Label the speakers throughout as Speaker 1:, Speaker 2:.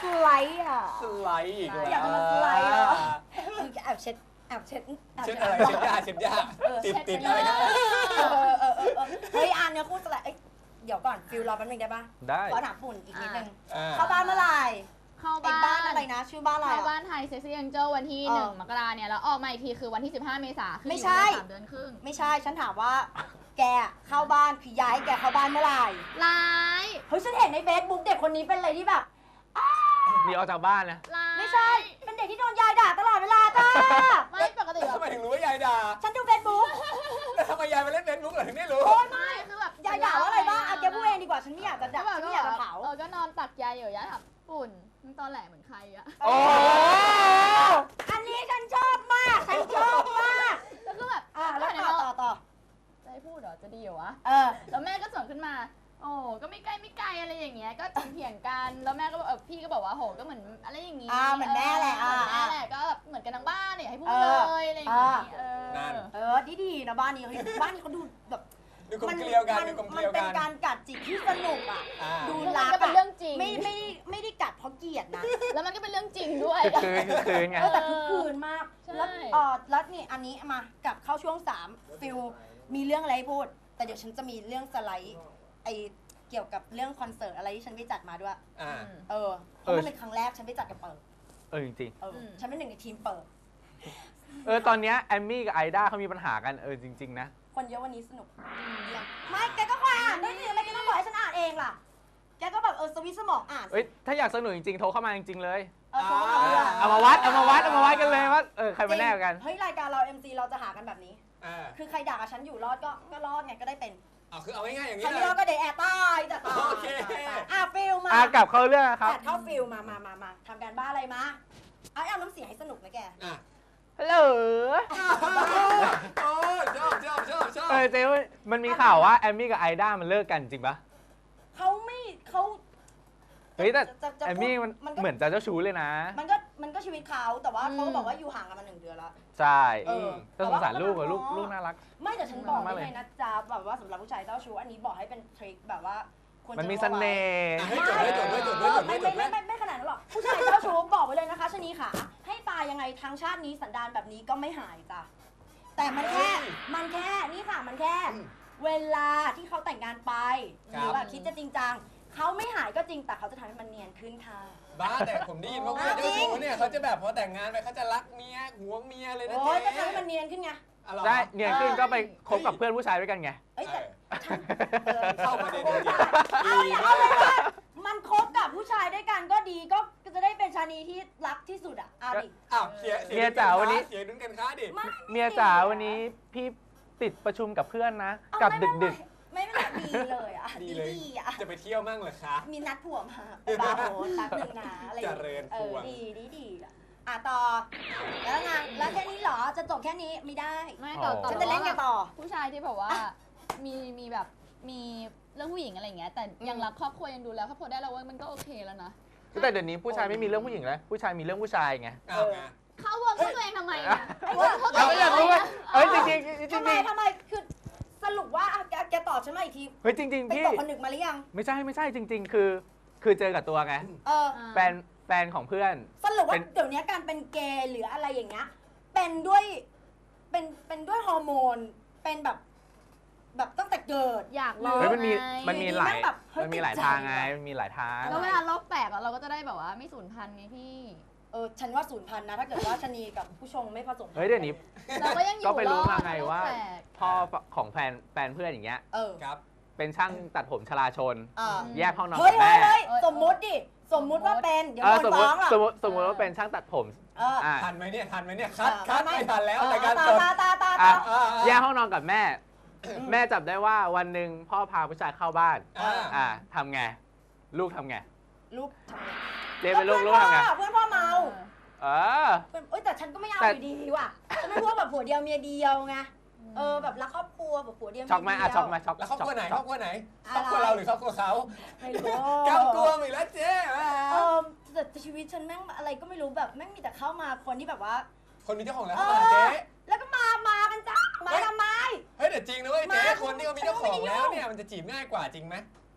Speaker 1: สไลด์อ่ะ
Speaker 2: สไลด์อีกแล้ว
Speaker 1: อยากจะมาสไลด์เหรอแอบเช็ด
Speaker 2: เช็ดอะไรเช็ดยาติดอะไรกัน
Speaker 1: เฮ้ยอันเนี่ยคู่สไลด์เดี๋ยวก่อนฟิลรอแป๊บนึงได้ปะ
Speaker 3: ได้
Speaker 1: ขอถามปุ่นอีกนิดนึง
Speaker 2: เข้า
Speaker 1: เข้าบ้านเมื่อไหร่
Speaker 4: เข้า
Speaker 1: บ้า
Speaker 4: บ้าน
Speaker 1: อะไรนะชื่อบ้านอะไร
Speaker 4: เข้าบ้านไทยเซ็กซี่แองเจิลวันที่1 มกราเนี่ยแล้วออกมาอีกทีคือวันที่15 เมษายนคือ
Speaker 1: ไม่ใช่
Speaker 4: 3 เดือนครึ่ง
Speaker 1: ไม่ใช่ฉันถามว่า แกเข้าบ้านคือย้ายแกเข้าบ้านเมื่อไหร่
Speaker 4: ร้าย
Speaker 1: เฮ้ยฉันเห็นในเฟซบุ๊กเด็กคนนี้เป็นอะไรที่แบบ
Speaker 3: หนีออกจากบ้านนะ
Speaker 4: ร้าย
Speaker 1: ไม่ใช่เป็นเด็กที่โดนยายด่าตลอดเวลาจ้า
Speaker 4: ไม่ปกติแบบ
Speaker 2: ทำไมถึงรู้ว่ายายด่า
Speaker 1: ฉันดูเฟซบุ๊ก
Speaker 2: แล้วทำไมยายมาเล่นเฟซบุ๊กเหรอถึงได้รู้
Speaker 4: ไม่คือแบบ
Speaker 1: ยายด่าว่าอะไรบ้างอ่ะแกพูดเองดีกว่าฉันไม่อยากจะด่า
Speaker 4: แบบ
Speaker 1: ฉันไม่อยากจะเผา
Speaker 4: ก็นอนตักยายอยู่ยายถามปุ่นมึงตอนแหลเหมือนใครอะ
Speaker 3: โอ้
Speaker 1: อันนี้ฉันชอบมากฉันชอบมาก
Speaker 4: แล้วก็แบบ
Speaker 1: แล้วต่อ
Speaker 4: จะให้พูดเหรอจะดีเหรอวะ
Speaker 1: อ
Speaker 4: แล้วแม่ก็สวนขึ้นมา โอ้ก็ไม่ใกล้ไม่ไกลอะไรอย่างเงี้ย ก็เถียงกัน แล้วแม่ก็บอกพี่ก็บอกว่าโหก็เหมือนอะไรอย่างงี้
Speaker 1: เหมือนแม่แหละ
Speaker 4: เหมือนแม่แหละก็แบบเหมือนกันทั้งบ้านเนี่ยให้พูดเลยอะไรอย่างงี้
Speaker 1: ดีนะบ้านนี้บ้านนี้เขาดูแบบ
Speaker 2: ดูกลมเกลียวกันดูกลมเก
Speaker 1: มัน
Speaker 2: ลียว
Speaker 1: เป็
Speaker 2: กัน น
Speaker 1: การกัดจิกที่สนุกอ่ะ ดู
Speaker 4: แล้ว
Speaker 1: รั
Speaker 4: มัน
Speaker 1: ก
Speaker 4: ก็เป็นเรื่องจริง
Speaker 1: ไม่ได้กัดเพราะเกลียดนะ
Speaker 4: แล้วมันก็เป็นเรื่องจริงด้วย
Speaker 3: คืนไง
Speaker 1: แต่ทุกคืนมาก
Speaker 4: ใช่
Speaker 1: แล้วนี่อันนี้มากลับเข้าช่วง3ฟิลมีเรื่องอะไรให้พูด แต่เดี๋ยวฉันจะมีเรื่องสไลด์เกี่ยวกับเรื่องคอนเสิร์ตอะไรที่ฉันไปจัดมาด้วยเพราะมันเป็นครั้งแรกฉันไปจัดกับเปิด
Speaker 3: จริง
Speaker 1: ฉันเป็นหนึ่งในทีมเปิด
Speaker 3: ตอนเนี้ยแอมมี่กับไอด้าเขามีปัญหากันจริงๆนะ
Speaker 1: คนเยอะวันนี้สนุกไม่แกก็คอยอ่านด้วยสิทำไมแกต้องบอกให้ฉันอ่านเองล่ะแกก็แบบสวิตช์สมองอ่าน
Speaker 3: ถ้าอยากสนุกจริงๆโทรเข้ามาจริงๆเลย
Speaker 1: เอา
Speaker 3: มาวัดกันเลยว่าใครมาแน่กัน
Speaker 1: เฮ้ยรายการเรา MC เราจะหากันแบบนี้คือใครด่ากับฉันอยู่รอดก็รอดไงก็ได้เป็น
Speaker 2: คือเอาง่ายๆอย่าง
Speaker 1: ใคร
Speaker 2: นี้
Speaker 1: ไม่
Speaker 2: เล
Speaker 1: รอด
Speaker 2: ย
Speaker 1: ก็เดทแอร์ตายจะตาย
Speaker 2: โอเค
Speaker 1: ฟิลมาก
Speaker 3: ลับเข้าเรื่องครับ
Speaker 1: เข้าฟิลมาทำการบ้านอะไรมาเอาน้ำเสียงให้สนุกนะแก
Speaker 3: ฮัลโหล
Speaker 2: โอ้ชอบ
Speaker 3: เจ๊มันมีข่าวว่าแอมมี่กับไอด้ามันเลิกกันจริงปะ
Speaker 1: เขา
Speaker 3: เฮ้ยแต่แอมมี่มันเหมือนจะเจ้าชู้เลยนะ
Speaker 1: มันก็ชีวิตเขาแต่ว่าเขาก็บอกว่าอยู่ห่างกันมา1 เดือนแล้ว
Speaker 3: ใช่ก็สงสารลูกลูกน่ารัก
Speaker 1: ไม่แต่ฉันบอกเลยนะจ๊ะแบบว่าสำหรับผู้ชายเจ้าชู้อันนี้บอกให้เป็นทริคแบบว่า
Speaker 3: มันมีเสน่ห์
Speaker 2: ให้จด
Speaker 1: ไม่ขนาดนั้นหรอกผู้ชายเจ้าชู้บอกไว้เลยนะคะชะนีค่ะให้ตายยังไงทางชาตินี้สันดานแบบนี้ก็ไม่หายจ้ะแต่มันแค่นี่ค่ะมันแค่เวลาที่เขาแต่งงานไปหรือว่าคิดจะจริงจังเขาไม่หายก็จริงแต่เขาจะทำให้มันเนียนขึ้นค่ะ
Speaker 2: บ้าแต่ผมได้ยินว่าเจ้าชู้เนี่ยเขาจะแบบพอแต่งงานไปเขาจะรักเมียหวงเมียเลยนะ
Speaker 1: โอ้
Speaker 2: เจ๊
Speaker 1: ยก็ทำให้มันเนียนขึ้นไง
Speaker 3: ได้เนียนขึ้นก็ไปคบกับเพื่อนผู้ชายด้วยกันไง
Speaker 1: แต่
Speaker 2: เข้าประเด็นจริง
Speaker 1: เอาเลยว่ามันคบกับผู้ชายด้วยกันก็ดีก็จะได้เป็นชานีที่รักที่สุดอ่ะดิ
Speaker 2: เมียจ๋าวันนี้เสียดุนกันค้าดิ
Speaker 3: เมียจ๋าวันนี้พี่ติดประชุมกับเพื่อนนะกลับดึก
Speaker 1: ไม่ดีเลยอ่ะดีอ่ะ
Speaker 2: จะไปเที่ยวมั่งเหรอคะ
Speaker 1: มีนัดผัวมาไปบาร์โฮสแป๊บนึงนะอะไร
Speaker 2: เจริญผัว
Speaker 1: ดีต่อแล้วไงแล้วแค่นี้เหรอจะจบแค่นี้ไม่ได้
Speaker 4: ไม่ต่อ
Speaker 1: ฉันจะเล่นกันต่อ
Speaker 4: ผู้ชายที่แบบว่ามีแบบมีเรื่องผู้หญิงอะไรอย่างเงี้ยแต่ยังรักครอบครัวยังดูแลครอบครัวได้แล้วว่ามันก็โอเคแล้วนะ
Speaker 3: แต่เดี๋ยวนี้ผู้ชายไม่มีเรื่องผู้หญิงแล้วผู้ชายมีเรื่องผู้ชายไง
Speaker 4: เข้าวนเข้าตัวเองทำไมอ่ะ
Speaker 3: เราก็อยากรู้ว่าจริง
Speaker 1: ทำไมคือสรุปว่าแกตอบฉันมาอีกที
Speaker 3: เฮ้ยจริงๆพี่
Speaker 1: ไปตกผนึกมาหรือยัง
Speaker 3: ไม่ใช่จริงๆคือเจอกับตัวไงแฟนของเพื่อน
Speaker 1: สรุปว่าเดี๋ยวนี้การเป็นเกย์หรืออะไรอย่างเงี้ยเป็นด้วยฮอร์โมนเป็นแบบตั้งแต่เกิด
Speaker 4: อยากลอง
Speaker 3: มันมีหลายทางไงมันมีหลายทาง
Speaker 4: แล้วเวลาโรคแตกเราก็จะได้แบบว่าไม่สูญพันธุ์ไงพี่
Speaker 1: ฉันว่า0,000นะถ้าเกิดว่าชนีกับผู้ชงไม่ผสม
Speaker 3: เฮ้ยเดี๋ยวนี้
Speaker 4: เราก็ยังอยู่
Speaker 3: ก็ไปรู้มาไงว่าพ่อของแฟนเพื่อนอย่างเงี้ย
Speaker 2: ครับ
Speaker 3: เป็นช่างตัดผมชลาชนแยกห้องนอน
Speaker 1: กับแม่สมมุติว่าเป็นเดี๋ยวโดนฟ้องหรอ
Speaker 3: สมมติว่าเป็นช่างตัดผม
Speaker 2: ทันไหมเนี่ยคัดไม่ทันแล้วแต่การสด
Speaker 3: แยกห้องนอนกับแม่แม่จับได้ว่าวันหนึ่งพ่อพาผู้ชายเข้าบ้านทำไงลูกทำไง
Speaker 1: ลูกทำไง
Speaker 3: เจ๊เป็นลูกทำไง
Speaker 1: เพื่อนพ่อเมาแต่ฉันก็ไม่เอาอยู่ดีว่ะฉันไม่พวกแบบผัวเดียวเมียเดียวไงแบบรักครอบครัวแบบผัวเดียว
Speaker 3: ช็อกไหมช็อกไหมช็อก
Speaker 2: แล้วครอบครัวไหนครอบครัวเราหรือครอบครัวเขา
Speaker 1: ไม่รู้
Speaker 2: กำกลัวอีกแล้วเจ๊
Speaker 1: แต่ชีวิตฉันแม่งอะไรก็ไม่รู้แบบแม่งมีแต่เข้ามาคนที่แบบว่า
Speaker 2: คนมีเจ้าของแล้วเข้ามาเจ๊
Speaker 1: แล้วก็มากันจ้ามาทำไม
Speaker 2: เฮ้ยแต่จริงนะเว้ยเจ๊คนที่เขามีเจ้าของแล้วเนี่ยมันจะจีบง่ายกว่าจริงไหม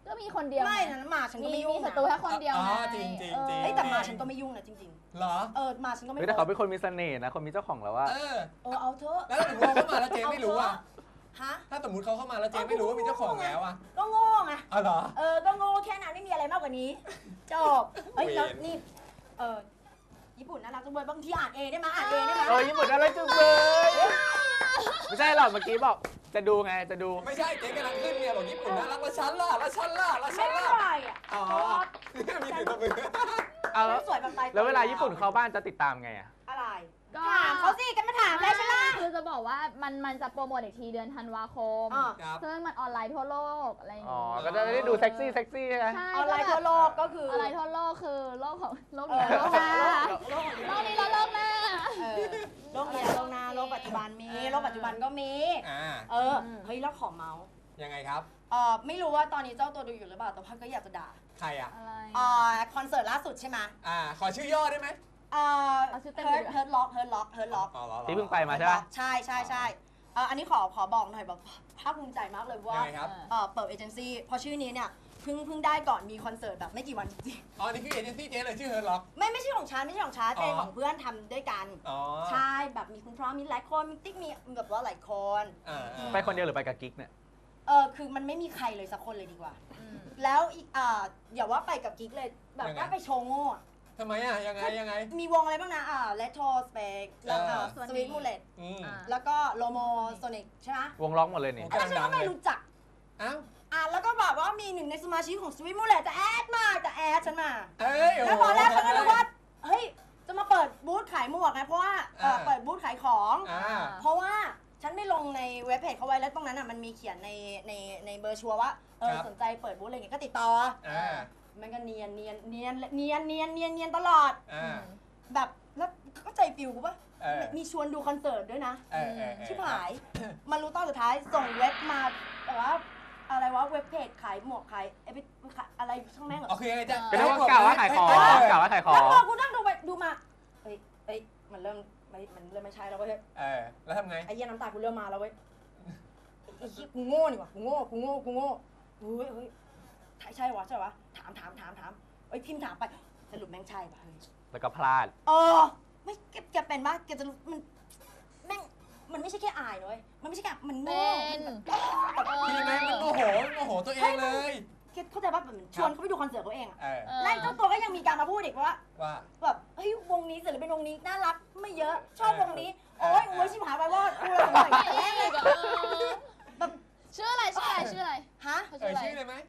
Speaker 4: ก็มีคนเดียว
Speaker 1: ไม่นะหมาฉันก็ไม่ยุ่
Speaker 4: มี
Speaker 1: ง
Speaker 4: ศัตรูแค่คนเดียว
Speaker 2: อ๋อ
Speaker 4: ไง
Speaker 2: จริงจริง
Speaker 4: เออ
Speaker 2: จริง
Speaker 1: เฮ้ยแต่หมาฉันก็ไม่ยุ่งนะจริง
Speaker 2: เหรอ
Speaker 1: ๆหมาฉันก็ไม่
Speaker 3: เฮ้ยแต่เขาเป็นคนมีเสน่ห์นะคนมีเจ้าของแล้วว่า
Speaker 1: เอาเถอะ
Speaker 2: แล้วถ้าสมมติเขาเข้ามาแล้วเจ๊ไม่รู้อ่ะ
Speaker 1: ฮะ
Speaker 2: ถ้าสมมติเขาเข้ามาแล้วเจ๊ไม่รู้ว่ามีเจ้าของแล้วอ่ะ
Speaker 1: ก็โง่ไง
Speaker 2: อ๋อเหรอ
Speaker 1: ก็โง่แค่นั้นไม่มีอะไรมากกว่านี้จบเฮ้ยแล้วนี่ญี่ปุ่นน่ารักจังเลยบางทีอ่านเองได้ไหมอ่านเองได้ไหม
Speaker 3: ญี่ปุ่นอะไรจังเลยไม่ใช่หรอกเมื่อกี้บอกจะดูไงจะดู
Speaker 2: ไม่ใช่เจ๊กำลังขึ้นเนี่ยบอกญี่ปุ่นน่ารักแล้วฉันล่ะแล้วฉันล่ะแล้วฉั
Speaker 1: ไม่
Speaker 2: น
Speaker 1: ได้
Speaker 2: ล่ะ
Speaker 1: ไรอ่ะ
Speaker 2: อ๋อมีเสียงตบมือ
Speaker 3: เอาแล้ว
Speaker 1: สวยแบบตายตัว
Speaker 3: แล้วเวลาญี่ปุ่นเข้าบ้านจะติดตามไงอะ
Speaker 1: อะไร
Speaker 4: ก็
Speaker 1: ถามเขาสิกันมาถามได้ใช่ไหม
Speaker 4: คือจะบอกว่ามันจะโปรโมทอีกทีเดือนธันวาคม
Speaker 2: ครับ
Speaker 4: ซึ่งมันออนไลน์ทั่วโลกอะไรอย่าง
Speaker 3: อ๋อ
Speaker 4: งี้
Speaker 3: ก็จะได้ดูเซ็กซี่ใช่ไหม
Speaker 4: ใช่
Speaker 1: ออนไลน์ทั่วโลกก็คือ
Speaker 4: ออนไลน์ทั่วโลกคือโลกของโลก
Speaker 1: เอ
Speaker 4: นี้
Speaker 1: อ
Speaker 4: โลกหน้า
Speaker 1: โลก
Speaker 4: โลกนี้แล้วโลกหน้า
Speaker 1: โลกนี้โลกหน้าโลกปัจจุบันมีโลกปัจจุบันก็มี เฮ้ยแล้วขอเมาส์
Speaker 2: ยังไงครับ
Speaker 1: ไม่รู้ว่าตอนนี้เจ้าตัวดูอยู่หรือเปล่าแต่ว่าก็อยากจะด่า
Speaker 2: ใครอ่ะ
Speaker 4: อะไร
Speaker 1: คอนเสิร์ตล่าสุดใช่ไหม
Speaker 2: ขอชื่อย่อได้ไหม
Speaker 1: เฮิร์ทล็อก
Speaker 2: อ๋อเหรอ
Speaker 3: ที่เพิ่งไปมาใช่ปะ
Speaker 1: ใช่อันนี้ขอบอกหน่อยแบบภาคภูมิใจมากเลย
Speaker 2: ยัง
Speaker 1: ว่า
Speaker 2: ไงครับ
Speaker 1: เปิดเอเจนซี่พอชื่อนี้เนี่ยเพิ่งได้ก่อนมีคอนเสิร์ตแบบไม่กี่วันจริง
Speaker 2: อ๋อนี่คือเอเจนซี่เจ๊เลยชื่อเฮิร์ทล็อก
Speaker 1: ไม่ใช่ของฉันเป็น
Speaker 2: อ๋อ
Speaker 1: ของเพื่อนทำด้วยกัน
Speaker 2: อ๋อ
Speaker 1: ใช่แบบมีคุณพร้อมมีหลายคนมีติ๊กมีแบบว่าหลายคน
Speaker 3: ไปคนเดียวหรือไปกับกิ๊กเนี่ย
Speaker 1: คือมันไม่มีใครเลยสักคนเลยดีกว่า
Speaker 4: อืม
Speaker 1: แล้วอีกอย่าว่าไปกับกิ๊กเลยแบบว่าไปโชว์โง่อะ
Speaker 2: ทำไมอ่ะยังไง
Speaker 1: มีวงอะไรบ้างนะRetro Spec แล้วSweet Mullet แล้วก็โลโมโซนิกใช่ไหม
Speaker 3: วงล็อกหมดเลยนี่
Speaker 1: แล้วฉันก็ไม่รู้จัก
Speaker 2: อ้าว
Speaker 1: แล้วก็แบบว่ามีหนึ่งในสมาชิกของ Sweet Mullet จะแอดฉันมา
Speaker 2: เอ้ย
Speaker 1: แล้วตอนแรกฉันก็นึกว่าเฮ้ยจะมาเปิดบูธขายหมวกไงเพราะว่าเปิดบูธขายของ เพราะว่าฉันไม่ลงในเว็บเพจเขาไว้แล้วตรงนั้นมันมีเขียนในเบอร์ชัวร์ว่าสนใจเปิดบูธอะไรเงี้ยก็ติดต่อมันก็เนียนตลอดแบบแล้วก็ใจฟิวกูป่ะมีชวนดูคอนเสิร์ตด้วยนะชิบหายมารู้ตอนสุดท้ายส่งเว็บมาแต่ว่าอะไรวะเว็บเพจขายหมวกขายอะไรช่างแม่งเหรอ
Speaker 2: โอเคไงจ๊ะ
Speaker 3: ก็ได้กล่าวว่าขายของกล่าวว่าขายขอ
Speaker 1: แล้ว
Speaker 3: ง
Speaker 1: พอกูนั่งดูไปดูมาเฮ้ยมันเริ่มไม่ใช่แล้วเว้ย
Speaker 2: แล้วทำไง
Speaker 1: ไอ้เหี้ยน้ำตากูเริ่มมาแล้วเว้ยไอ้กูโง่นี่วะกูโง่เฮ้ยใช่วะถามเอ้ยพิมพ์ถามไปสรุปแม่งใช่ป่ะเฮ้ย
Speaker 3: แล้วก็พลาด
Speaker 1: ไม่แกเป็นป่ะแกจะมันแม่งมันไม่ใช่แค่อายเลยมันไม่ใช่แค่มันโง่
Speaker 2: พี่แม่งมันโมโหตัวเองเลย
Speaker 1: เข้าใจป่ะเหมือนชวนเขาไปดูคอนเสิร์ตเขาเองอะ
Speaker 2: เออ
Speaker 1: ไล่เจ้าตัวก็ยังมีการมาพูดอีกว่า
Speaker 2: ว่า
Speaker 1: แบบเฮ้ยวงนี้ศิลปินวงนี้น่ารักไม่เยอะชอบวงนี้โอ๊ยชิบหายไปว่ากูเลยหน่อยแม่งเลย แบบ
Speaker 4: ชื่ออะไร
Speaker 1: ฮะ
Speaker 4: เขาชื่ออะไร
Speaker 2: ชื่อเลยไหม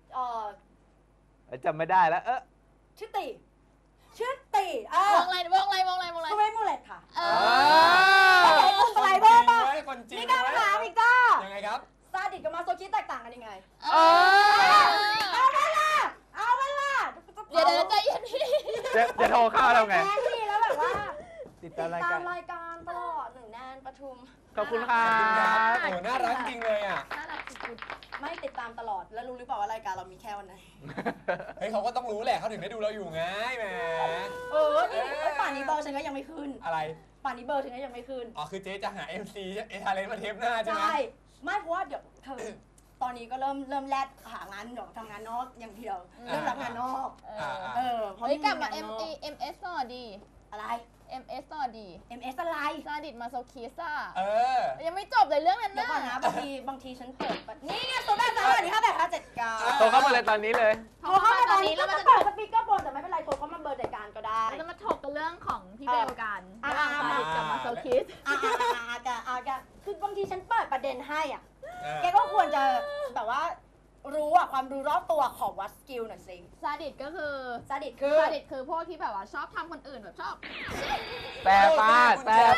Speaker 3: จำไม่ได้แล้ว
Speaker 1: ชื่อตี
Speaker 4: วงอะไร
Speaker 1: สวีทมูเลตค่ะ สไลเดอร์ป่ะ
Speaker 2: คนจริง
Speaker 1: นี่การถามอีกจ้า
Speaker 2: ยังไงครับ
Speaker 1: ซาดิสกับมาโซคิสแตกต่างกันยังไง
Speaker 4: เอาเวลาเดี๋ยวใจเย็นพี่
Speaker 3: จะโทรเข้าแล้วไง
Speaker 1: แม่นี่แล้วแบบว่า
Speaker 3: ติดตามราย
Speaker 1: ตา
Speaker 3: การ
Speaker 1: มรายการตลอดหนึ่งแนนประชุม
Speaker 3: ขอบคุณครั
Speaker 2: โอ้น่ารักจริงเลยอ่ะ
Speaker 4: น่ารักสุด
Speaker 1: ไม่ติดตามตลอดแล้วรู้หรือเปล่าว่ารายการเรามีแค่วันไหน
Speaker 2: เฮ้ยเขาก็ต้องรู้แหละเขาถึงได้ดูเราอยู่ไงแหม
Speaker 1: นี่ป่านนี้เบอร์ฉันก็ยังไม่ขึ้น
Speaker 2: อะไร
Speaker 1: ป่านนี้เบอร์ฉันก็ยังไม่ขึ้น
Speaker 2: คือเจ๊จะหา MC เอทาเลนมาเทปหน้าใช่ไหม
Speaker 1: ใช่ไม่เพราะว่าเดี๋ยวเธอตอนนี้ก็เริ่มแลดหางานเดี๋ยวทำงานนอกอย่างเดียวเริ่มรับงานนอก
Speaker 4: ๆ
Speaker 1: เพราะ
Speaker 4: เฮ้ยกลับมา
Speaker 1: งนนอก
Speaker 4: MS ต่อดี
Speaker 1: อะไร
Speaker 4: MS ต่อดี
Speaker 1: MS อะไร
Speaker 4: ซาดิสมาโซคิสอ่ะ
Speaker 2: ยัง
Speaker 4: ไม่จบเลยเรื่องนั้น
Speaker 1: เดี๋ยวก่อน
Speaker 4: นะ
Speaker 1: นะบางทีฉันเปิดนี่ไงตัวแม่สวัสดีค่ะแบบ5 7 9
Speaker 3: โทรเข้ามาเลยตอนนี้เลย
Speaker 1: โทรเข้ามาตอนนี้แล้วมันจะเปิดสปีกเกอร์บนแต่ไม่เป็นไรโทรเข้ามาเบอร์จัดการก็ได้
Speaker 4: เราจะมาถกกันเรื่องของพี่เบลกัน
Speaker 1: อ่า
Speaker 4: ระหว่างซาดิสกับมาโซคิส
Speaker 1: คือบางทีฉันเปิดประเด็นให้อ่ะแกก็ควรจะแบบว่ารู้อ่ะความรู้รอบตัวขอวัดสกิลหน่อยสิ
Speaker 4: ซาดิสก็คือ
Speaker 1: ซาดิส
Speaker 4: ซาดิสคือพวกที่แบบว่าชอบทำคนอื่นแบบชอบ
Speaker 3: แต่ฟาด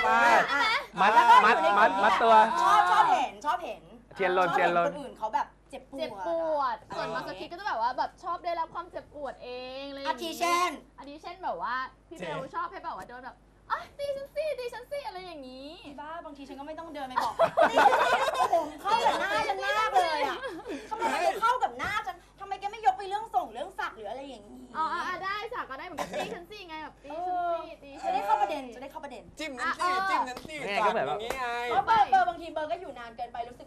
Speaker 3: มัดตัว
Speaker 1: ชอบเห็น
Speaker 3: เทียนลน
Speaker 1: คนอื่นเขาแบบเจ็บปวด
Speaker 4: ส่วนมาโซคิสก็จะแบบว่าแบบชอบได้รับความเจ็บปวดเองเลย
Speaker 1: อาทิเช่น
Speaker 4: แบบว่าพี่เบลชอบให้แบบว่าโดนแบบตีฉันสิอะไรอย่างนี้
Speaker 1: บ้าบางทีฉันก็ไม่ต้องเดินไปบอกผมเข้ากับหน้าฉันมากเลยอ่ะทำไมมันเข้ากับหน้าฉันทำไมแกไม่ยกไปเรื่องส่งเรื่องสักหรืออะไรอย่างนี้
Speaker 4: ได้สักก็ได้เหมือนกันตีฉันสิไงแบบตีฉันสิ
Speaker 1: จะได้เข้าประเด็น
Speaker 2: จิ้มนั้นสิ
Speaker 3: นี่ไงก็แบบว่า
Speaker 2: อย่างนี้ไง
Speaker 1: เพราะเบอร์บางทีเบอร์ก็อยู่นานเกินไปรู้สึกเหมือนประชดประ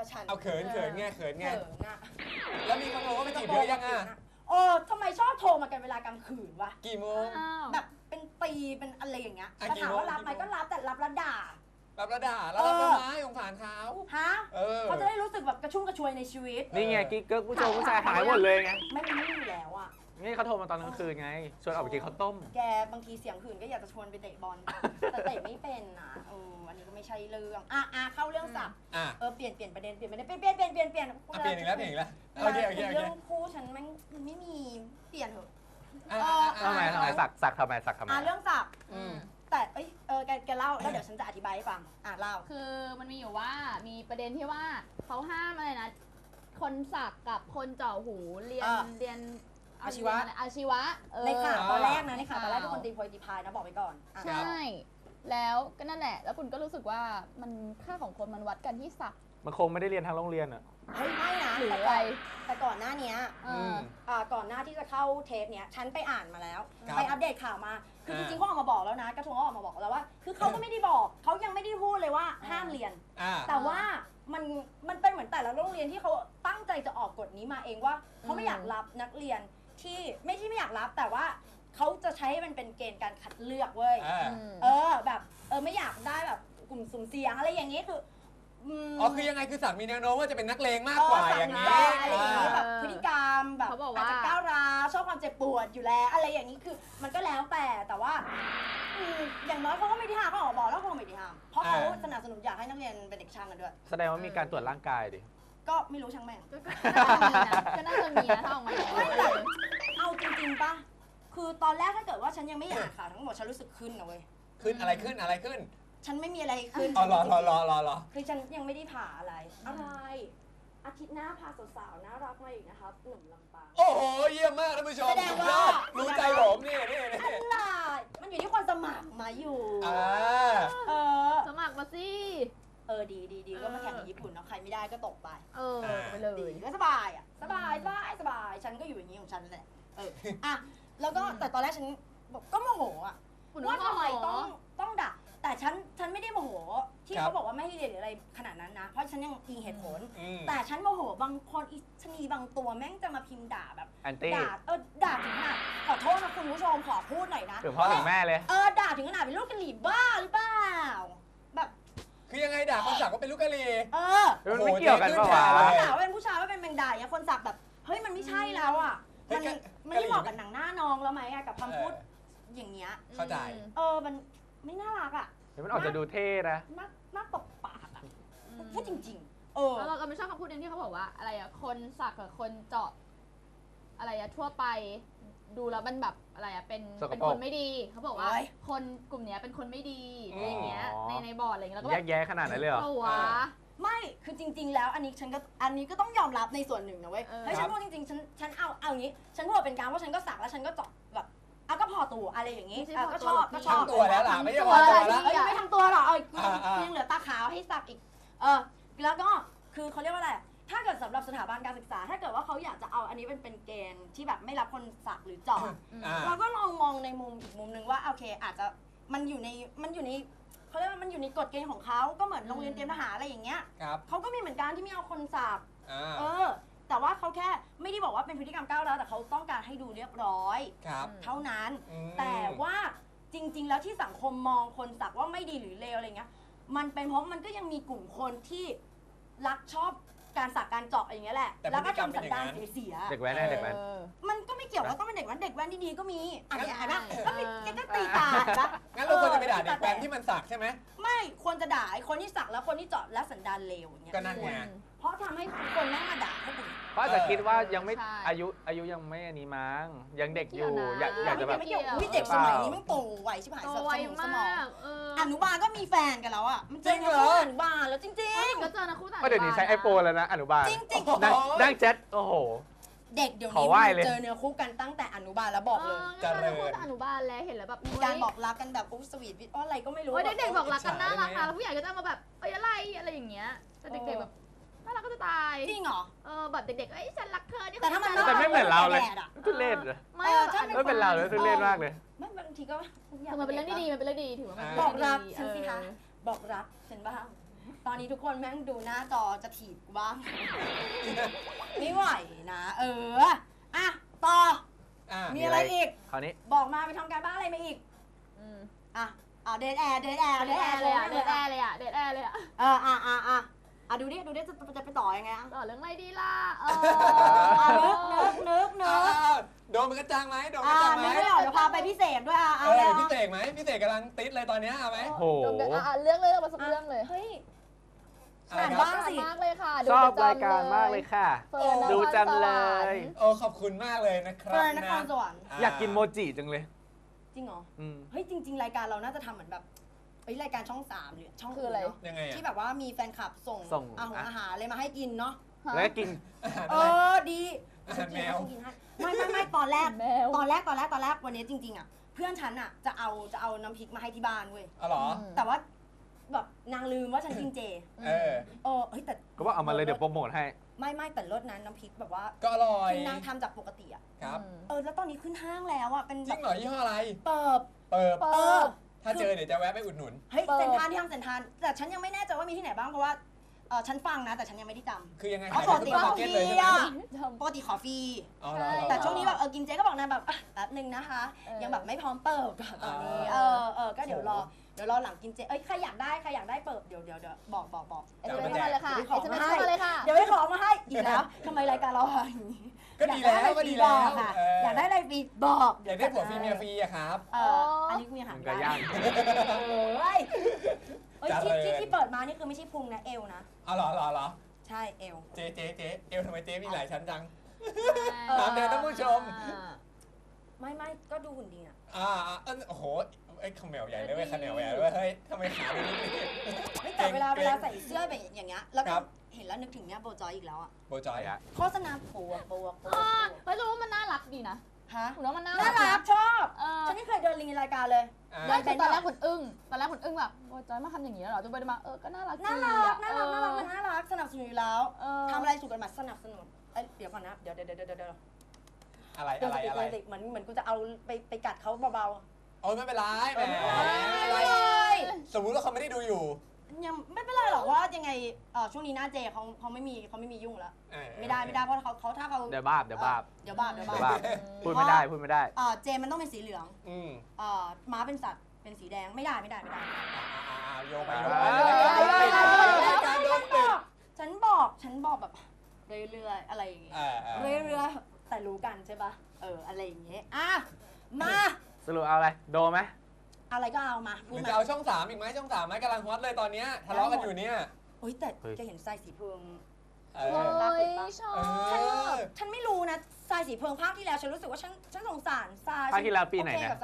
Speaker 1: ฉัน
Speaker 2: เอาเขินไงเขินไง
Speaker 1: เขินอะ
Speaker 2: แล้วมีคนโทรว่าไปจีบเยอะยังอ่ะ
Speaker 1: ทำไมชอบโทรมากันเวลากลางคืนวะ
Speaker 2: กี่โมง
Speaker 4: อ้าว
Speaker 1: แบบเป็นปีเป็นอะไรอย่างเงี้ย
Speaker 2: อ่ะ
Speaker 1: แต่ถามว่า
Speaker 2: กี่โมง
Speaker 1: รับไหมก็รับแต่รับแล้วด่า
Speaker 2: รับแล้วด่าแล้วรับทำไมสงสารเขา
Speaker 1: ฮะ
Speaker 2: เออ
Speaker 1: เขาจะได้รู้สึกแบบกระชุ่มกระชวยในชีวิต
Speaker 3: นี่ไงกิ๊กเกิร์กผู้ชมผู้ชายหายหมดเลยไง
Speaker 1: ไม่มีอยู่แล้วอะ
Speaker 3: นี่เขาโทรมาตอนกลางคืนไง ชวนออกไปกินข้าวต้ม
Speaker 1: แกบางทีเสียงหื่นก็อยากจะชวนไปเตะบอล แต่เตะไม่เป็นนะอันนี้ก็ไม่ใช่เรื่องเข้าเรื่องสับ
Speaker 2: อ่ะ
Speaker 1: เปลี่ยนประเด็นเปลี่ยน
Speaker 2: เปลี่ยนอีกแล้วโอเค
Speaker 1: เรื่องคู่ฉันมันไม่มีเปลี่ยนเถอะ
Speaker 3: ทำไมสักทำไม
Speaker 1: เรื่องสับ
Speaker 2: อืม
Speaker 1: แต่แกเล่าแล้วเดี๋ยวฉันจะอธิบายให้ฟังเล่า
Speaker 4: คือมันมีอยู่ว่ามีประเด็นที่ว่าเขาห้ามอะไรนะ คนสักกับคนเจาะหูเรียน
Speaker 1: อาชีวะ
Speaker 4: อาชีวะ
Speaker 1: ในข่าวตอนแรกนะในข่าวตอนแรกทุกคนตีโพยตีพายนะบอกไปก่อน
Speaker 4: ใช่ แล้วก็นั่นแหละ แล้วคุณก็รู้สึกว่ามันค่าของคนมันวัดกันที่สัก
Speaker 3: มันคงไม่ได้เรียนทางโรงเรียนอ่ะ
Speaker 1: เฮ้ยไม่นะ
Speaker 4: หรืออะไร
Speaker 1: แต่ก่อนหน้านี้
Speaker 4: เออ
Speaker 1: ก่อนหน้าที่จะเข้าเทปเนี้ยฉันไปอ่านมาแล้ว
Speaker 2: ครับ
Speaker 1: ไปอัปเดตข่าวมา คือจริงๆเขาออกมาบอกแล้วนะกระทรวงเขาออกมาบอกแล้วว่า คือเขาก็ไม่ได้บอกเขายังไม่ได้พูดเลยว่าห้ามเรียน แต่ว่ามันเป็นเหมือนแต่ละโรงเรียนที่เขาตั้งใจจะออกกฎนี้มาเองว่าเขาไม่อยากรับนักเรียนที่ไม่อยากรับแต่ว่าเขาจะใช้ให้มันเป็นเกณฑ์การคัดเลือกเว้ยแบบไม่อยากได้แบบกลุ่มสุ่มเสี่ยงอะไรอย่างนี้คือ
Speaker 2: คือยังไงคือสักมีแนวโน้มว่าจะเป็นนักเลงมากกว่าอย่างนี้
Speaker 1: อะไรอย่างนี้แบบพฤติกรรมแบบ
Speaker 4: เขาบอก
Speaker 1: อาจ
Speaker 4: ว่า
Speaker 1: จะก้าวร้าวชอบความเจ็บปวดอยู่แล้วอะไรอย่างนี้คือมันก็แล้วแต่ว่าอย่างน้อยเขาก็ไม่ได้ห้ามเขาออกบอกแล้วเขาไม่ได้ห้ามเพราะเขาสนับสนุนอยากให้นักเรียนเป็นเด็กช่างกันด้วย
Speaker 3: แสดงว่ามีการตรวจร่างกายดิ
Speaker 1: ก็ไม่รู้ช่างแม่ง
Speaker 4: ก็น่าจะมีนะถ้าออกมาอย่าง
Speaker 1: ไม่
Speaker 4: นี้
Speaker 1: แต่เอาจริงๆป่ะคือตอนแรกถ้าเกิดว่าฉันยังไม่อ่านข่าวทั้งหมดฉันรู้สึกขึ้นนะเว้ย
Speaker 2: ขึ้นอะไรขึ้นอะไรขึ้น
Speaker 1: ฉันไม่มีอะไรขึ้น
Speaker 2: อ๋อรอ
Speaker 1: คือฉันยังไม่ได้ผ่าอะไรอาทิตย์หน้าพาสาวๆน่ารักมาอีกนะครับหนุ่มลำปาง
Speaker 2: โอ้โหเยี่ยมมากท่านผู้ชม
Speaker 1: แสดงว่า
Speaker 2: รู้ใจผมนี่
Speaker 1: อะไรมันอยู่ที่คนสมัครมาอยู่
Speaker 4: สมัครมาสิ
Speaker 1: ดีก็มาแข่งกับญี่ปุ่นเนาะใครไม่ได้ก็ตกไป
Speaker 4: ไปเลย
Speaker 1: ดีก็สบายสบายฉันก็อยู่อย่างนี้ของฉันแหละแล้วก็แต่ตอนแรกฉันก็โมโหว่าทำไมต้องด่าแต่ฉันไม่ได้โมโหที่เขาบอกว่าไม่ให้เรียนหรืออะไรขนาดนั้นนะเพราะฉันยังอิงเหตุผลแต่ฉันโมโหบางคนอีชนีบางตัวแม่งจะมาพิมพ์ด่าแบบ
Speaker 3: แอนตี้
Speaker 1: ด่าถึงขนาดขอโทษนะคุณผู้ชมขอพูดหน่อยนะ
Speaker 3: ถึงพ่อถึงแม่เลย
Speaker 1: ด่าถึงขนาดเป็นลูกกะหรี่บ้าหรือเปล่าแบบ
Speaker 2: คือยังไงด่าคนสักว่าเป็นลูกกะลี
Speaker 3: มันไม่เกี่ยวกันปะวะ
Speaker 1: ด่าว่าเป็นผู้ชายว่าเป็นแมงดาอย่างคนสักแบบเฮ้ยมันไม่ใช่แล้วอ่ะมันไม่เหมาะกับหนังหน้าน้องแล้วไหมกับคำพูดอย่างเงี้ย
Speaker 2: เข้าใจ
Speaker 1: มันไม่น่ารักอ่ะ
Speaker 3: มันออกจะดูเท่นะ
Speaker 1: น่าตบปากอ่ะพูดจริงๆ
Speaker 4: แล้วเราก็ไม่ชอบคำพูดนึงที่เขาบอกว่าอะไรอะคนสักกับคนเจาะอะไรอะทั่วไปดูแล้วมันแบบอะไรอะเป็นคนไม่ดีเขาบอกว่าคนกลุ่มเนี้ยเป็นคนไม่ดีอะไรอย่างเงี้ยในบอร์ดอะไรเงี้ยแล้วก็
Speaker 3: แยกแยะขนาดนั้นเลยเหรอ
Speaker 4: วะ
Speaker 1: ไม่คือจริง ๆ แล้วอันนี้ก็ต้องยอมรับในส่วนหนึ่งนะเว้ยเฮ้ยฉันพูดจริงๆฉันเอาอย่างนี้ฉันพูดเป็นการว่าฉันก็สักแล้วฉันก็เจาะแบบก็พอตัวอะไรอย่างนี้ก็ชอบ
Speaker 2: ทั้งตัวแล้วล่ะไม่ใช่พอตัวแล้ว
Speaker 1: ไม่ทำตัวหรอกยังเหลือตาขาวให้สักอีกแล้วก็คือเขาเรียกว่าอะไรถ้าเกิดสำหรับสถาบันการศึกษาถ้าเกิดว่าเขาอยากจะเอาอันนี้เป็นเกณฑ์ที่แบบไม่รับคนสักหรือเจาะเราก็ลองมองในมุมอีกมุมนึงว่าโอเคอาจจะมันอยู่ในเขาเรียกว่ามันอยู่ในกฎเกณฑ์ของเขาก็เหมือนโรงเรียนเตรียมทหารอะไรอย่างเงี้ยเขาก็มีเหมือนกันที่ไม่เอาคนสักแต่ว่าเขาแค่ไม่ได้บอกว่าเป็นพฤติกรรมก้าวร้าวแต่เขาต้องการให้ดูเรียบร้อยเท่านั้นแต่ว่าจริงๆแล้วที่สังคมมองคนสักว่าไม่ดีหรือเลวอะไรเงี้ยมันเป็นเพราะมันก็ยังมีกลุ่มคนที่รักชอบการสักการเจาะอย่างเงี้ยแหละแล้วก็ทำสันดานเสีย
Speaker 3: เด็กแว้นเด็กแว้น
Speaker 1: มันก็ไม่เกี่ยวว่าต้องเป็นเด็กแว้นดีๆก็มีอะไรนะก็มีก็ตีตาปะ
Speaker 2: งั้นเราควรจะไปด่าเด็กแว้นที่มันสักใช่ไหม
Speaker 1: ไม่ควรจะด่าไอ้คนที่สักแล้วคนที่เจาะและสันดานเลวอย่างเงี้ย
Speaker 2: ก็นั่นไง
Speaker 1: เพราะทำให้คนนั่งมาด่าเขาอีก
Speaker 3: เพราะอาจจะคิดว่ายังไม่อายุยังไม่อันนี้มั้งยังเด็กอยู่อยากจะแบบ
Speaker 1: ไม่เกี่ยวเด็กสมัยนี้มันโตไวชิบหายสมองอนุบาลก็มีแฟนกันแล้วอ่ะมันเจออนุบาลแล้วจริงๆ
Speaker 4: ก็เจอนะคู่ต่าง
Speaker 3: เดี๋ยวนี้ใช้ไอโฟนแล้วนะอนุบาล
Speaker 1: จริงๆ
Speaker 3: นั่งแชทโอ้โห
Speaker 1: เด็กเดี๋ยวนี้เจอเนื้อคู่กันตั้งแต่อนุบาลแล้วบอกเลย
Speaker 4: เจอเนื้อคู่ตั้งอนุบาลแล้วเห็นแล้วแบบ
Speaker 1: มีการบอกรักกันแบบสวีทวิทอะไรก็ไม่รู้
Speaker 4: เด็กๆบอกรักกันน่ารักนะแล้วผู้ใหญ่ก็จะมาแบบอะไรอย่างเงี้ยแต่เด็กๆแบบน่ารักก็จะตาย
Speaker 1: จริงเหรอ
Speaker 4: แบบเด็กๆฉันรักเธอ
Speaker 1: แต่ถ้ามัน
Speaker 3: แต่ไม่เหมือนเราเลยทุเรศไม่เป็นเราเลยทุเรศมากเลย
Speaker 1: ไม่บางทีก็
Speaker 4: มันเป็นเรื่องดีมันเป็นเรื่องดีถือว่ามัน
Speaker 1: บอกรักฉันสิคะบอกรักฉันบ้างตอนนี้ทุกคนแม่งดูหน้าจอจะถีบกูบ้าง ไม่ไหวนะอ่ะต่อ มีอะไรอีก
Speaker 3: คราวนี้
Speaker 1: บอกมาไปทำการบ้านอะไรมาอีก อ่ะเดทแอร์
Speaker 4: เดทแอร์เลยอะเดทแอร์เลยอะ
Speaker 1: ดูดิจะไปต่อยังไง
Speaker 4: ต่อเรื่องอะไรดีล่ะ
Speaker 1: นึก
Speaker 2: โดนมันกระจังไหมโดนกระจังไหม
Speaker 1: นึกไม่ออกเดี๋ยวพาไปพี่เสกด้วย
Speaker 2: พี่เสกไหมพี่เสกกำลังติดเลยตอนนี้เอาไหม
Speaker 3: โห
Speaker 4: เรื่องเลยมาสักเรื่องเลย
Speaker 1: เฮ้ย
Speaker 2: อะไร
Speaker 1: อ่าน
Speaker 2: ครับ
Speaker 1: บ้างสิ
Speaker 4: มากเลยค่ะ
Speaker 3: ชอบรายการมากเลยค่ะ ดูจังเลย
Speaker 2: โอ้ขอบคุณมากเลยนะครับ
Speaker 1: เฟิร์นนครสวรรค์
Speaker 3: อยากกินโมจิจังเลย
Speaker 1: จริงเหรอ
Speaker 3: อืม
Speaker 1: เฮ้ยจริง ๆ รายการเราน่าจะทำเหมือนแบบรายการช่อง3หรือช่อง
Speaker 4: คืออะไร
Speaker 1: เนาะ
Speaker 2: ยังไง
Speaker 1: ที่แบบว่ามีแฟนคลับส่งอาหารอะไรมาให้กินเนาะ
Speaker 3: แล้วก็กิน
Speaker 1: ดี
Speaker 2: อาหารแมว
Speaker 1: ไม่ตอนแรก
Speaker 4: แมว
Speaker 1: ตอนแรกวันนี้จริงๆอ่ะเพื่อนฉันอ่ะจะเอาน้ำพริกมาให้ที่บ้านเว้ย
Speaker 2: อ๋อเหรอ
Speaker 1: แต่ว่าแบบนางลืมว่าฉันกินเจ เฮ้ยแต่
Speaker 3: ก็ว่าเอามาเลยเดี๋ยวโปรโมทให้
Speaker 1: ไม่แต่รสนั้นน้ำพริกแบบว่า
Speaker 2: ก็อร่อย
Speaker 1: คือนางทำจากปกติอ่ะ
Speaker 2: ครับ
Speaker 1: แล้วตอนนี้ขึ้นห้างแล้วอ่ะเป็น
Speaker 2: จ
Speaker 1: แบ
Speaker 2: ริ
Speaker 1: บ
Speaker 2: งเหรอยี่ห้ออะไร
Speaker 1: เปิบ
Speaker 2: เปิบ
Speaker 1: เออ
Speaker 2: ถ้าเจอเดี๋ยวจะแวะไปอุดหนุน
Speaker 1: เฮ้ยเซนทรันที่ห้างเซนทรันแต่ฉันยังไม่แน่ใจว่ามีที่ไหนบ้างเพราะว่าฉันฟังนะแต่ฉันยังไม่ได้จำ
Speaker 2: คือยังไง
Speaker 1: เพราะปกติ
Speaker 2: ขาย
Speaker 1: ขอ
Speaker 2: ใน
Speaker 1: ฟ
Speaker 2: ซูเปอร์มาร์เก็ตเลย
Speaker 1: รี
Speaker 2: ใช่ไหม
Speaker 1: อ่ะ
Speaker 4: ทำ
Speaker 1: ปกติขอฟรี
Speaker 2: อ๋อเหรอ
Speaker 1: แต่ช่วงนี้แบบกินเจก็บอกนางแบบแป๊บนึงนะคะ ยังแบบไม่พร้อมเปิบตอนนี้ก็เดี๋ยวรอหลังกินเจใครอยากได้เปิบเดี๋ยวบอก
Speaker 4: SMS เข้ามาเลยค่ะ SMS เข้ามาเลยค่ะ
Speaker 1: เดี๋ยวไปขอมาให้อีกแล้วทำไมรายการเราอย่างนี้
Speaker 2: ก็ดีแล้วก็ดีแล้ว
Speaker 1: ค่ะอยากได้อะไรฟรีบอก
Speaker 2: อยากได้ผัวฟรีเมียฟรีอะครับ
Speaker 1: อันนี้มีอาหาร
Speaker 3: มันก็ย่าง
Speaker 1: ที่เปิดมานี่คือไม่ใช่พุงนะเอวนะ
Speaker 2: อ๋อเหรอ
Speaker 1: ใช่เอว
Speaker 2: เจ๊เอวทำไมเจ๊มีหลายชั้นจัง
Speaker 1: เออ
Speaker 2: ถามแทนท่านผู้ชม
Speaker 1: ไม่ก็ดูหุ่นดีอ่ะ
Speaker 2: โอ้โหไอ้ขมแมวใหญ่เลยเว้ยขมแมวใหญ่เลยเว้ยเฮ้ยทำไมขาดูนี่
Speaker 1: แต่เวลาใส่เสื้อแบบอย่างเงี้ยแล้วก็เห็นแล้วนึกถึงเนี่ยโบจอยอีกแล้วอ่ะ
Speaker 2: โบจอยอะ
Speaker 1: โฆษณาปัว
Speaker 4: เฮ้ยรู้ว่ามันน่ารักดีนะ
Speaker 1: ฮะ
Speaker 4: หนูว่ามันน่า
Speaker 1: น่า
Speaker 4: รั
Speaker 1: รั
Speaker 4: ก
Speaker 1: กชอบ
Speaker 4: เออ
Speaker 1: ฉันไม่เคยเดินลิงในรายการเลย
Speaker 4: ไม่คือตอนแรกคุณอึ้งแบบโอ้ยจอยมาทำอย่างนี้แล้วเหรอจนไปมาก็น่ารัก
Speaker 1: น่ารักมันน่ารักสนับสนุนอยู่แล้วทำอะไรถูกกฎหมายสนับสนุนเดี๋ยวก่อนนะเดี๋ยว
Speaker 2: อะไร
Speaker 1: เหมือนกูจะเอาไปกัดเขาเบา
Speaker 2: โอ้ยไม่เป็นไรแหม
Speaker 1: ๆไม่
Speaker 2: สมมุติว่าเขาไม่ได้ดูอยู่
Speaker 1: ยังไม่เป็นไรหรอกว่ายังไงช่วงนี้หน้าเจเขาไม่มียุ่งแล้วไม่ได้เพราะเขาถ้าเขา
Speaker 3: เดี๋ยวบาป
Speaker 1: เดี๋ยวบาป
Speaker 3: พูดไม่ได้
Speaker 1: เจมันต้องเป็นสีเหลืองม้าเป็นสัตว์เป็นสีแดงไม่ได้
Speaker 2: โยงไป
Speaker 1: ฉันบอกแบบเรื่อยๆอะไรอย่างเงี้ยเรื่อยๆแต่รู้กันใช่ปะอะไรอย่างเงี้ยมา
Speaker 3: สรุปเอาอะไร โดไหม
Speaker 1: อะไรก็เอามา
Speaker 2: หรือจะเอาช่อง3อีกไหมช่อง3ไหมกำลังฮอตเลยตอนนี้ทะเลาะกันอยู่เนี่ย
Speaker 1: โอ๊ยแต่แกเห็นทรายสีเพิง
Speaker 4: เฮ้ยชอบ
Speaker 1: ฉันไม่รู้นะทรายสีเพิงภาคที่แล้วฉันรู้สึกว่าฉันสงสารทราย
Speaker 3: ภาคที่แล้วปีไหนนะ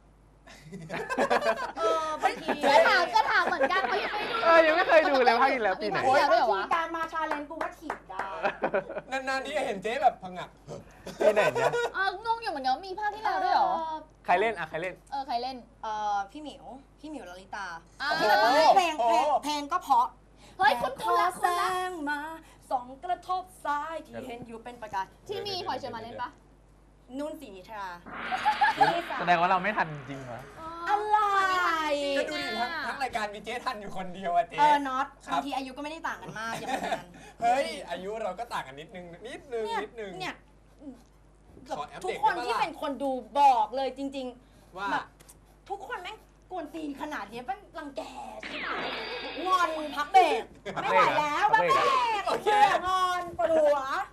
Speaker 1: บางที
Speaker 4: ก็ถามเหมือนกันเขายังไม่ดู
Speaker 3: ยังไม่เคยดูเลยภาคที่แล้วปีไหน
Speaker 4: โอ๊ย
Speaker 1: บางทีการมาชาเลนจ์กูว่าถีบได้
Speaker 2: นานๆที่เห็นเจ๊แบบพังงะ
Speaker 3: ปีไหนเนี่ย
Speaker 4: งงอยู่เหมือนกันว่ามีภาคที่แล้วด้วยเหรอ
Speaker 3: ใครเล่นใครเล่น
Speaker 4: ใครเล่น
Speaker 1: พี่หมิวลลิตา เพลงก็เพราะ
Speaker 4: เฮ้ยคุณละ
Speaker 1: แสงมาส่องกระทบซ้ายที่เห็นอยู่เป็นประกาย
Speaker 4: ที่มีพลอยเชอร์มานเล่นปะ
Speaker 1: นุ่นศรีนิทรา
Speaker 3: แสดงว่าเราไม่ทันจริงเหรอ
Speaker 1: อะไร
Speaker 2: ก็ดูดิทั้งรายการมีเจ๊ทันอยู่คนเดียวอะเจ๊
Speaker 1: น็อตบางทีอายุก็ไม่ได้ต่างกันมากอย่างนั้น
Speaker 2: เฮ้ยอายุเราก็ต่างกันนิดนึง
Speaker 1: เนี่ย
Speaker 2: ขอแอป
Speaker 1: ทุ
Speaker 2: เด็
Speaker 1: ก
Speaker 2: ก
Speaker 1: คน
Speaker 2: ได้
Speaker 1: ที่
Speaker 2: ปะ
Speaker 1: เป็นคนดูบอกเลยจริง
Speaker 2: ว่า
Speaker 1: ๆแบบทุกคนแม่งกวนตีนขนาดนี้เป็นรังแกใช่ไหมงอนพักเบรกไม่ไหวแล้วพักเบรกงอนปวดหัว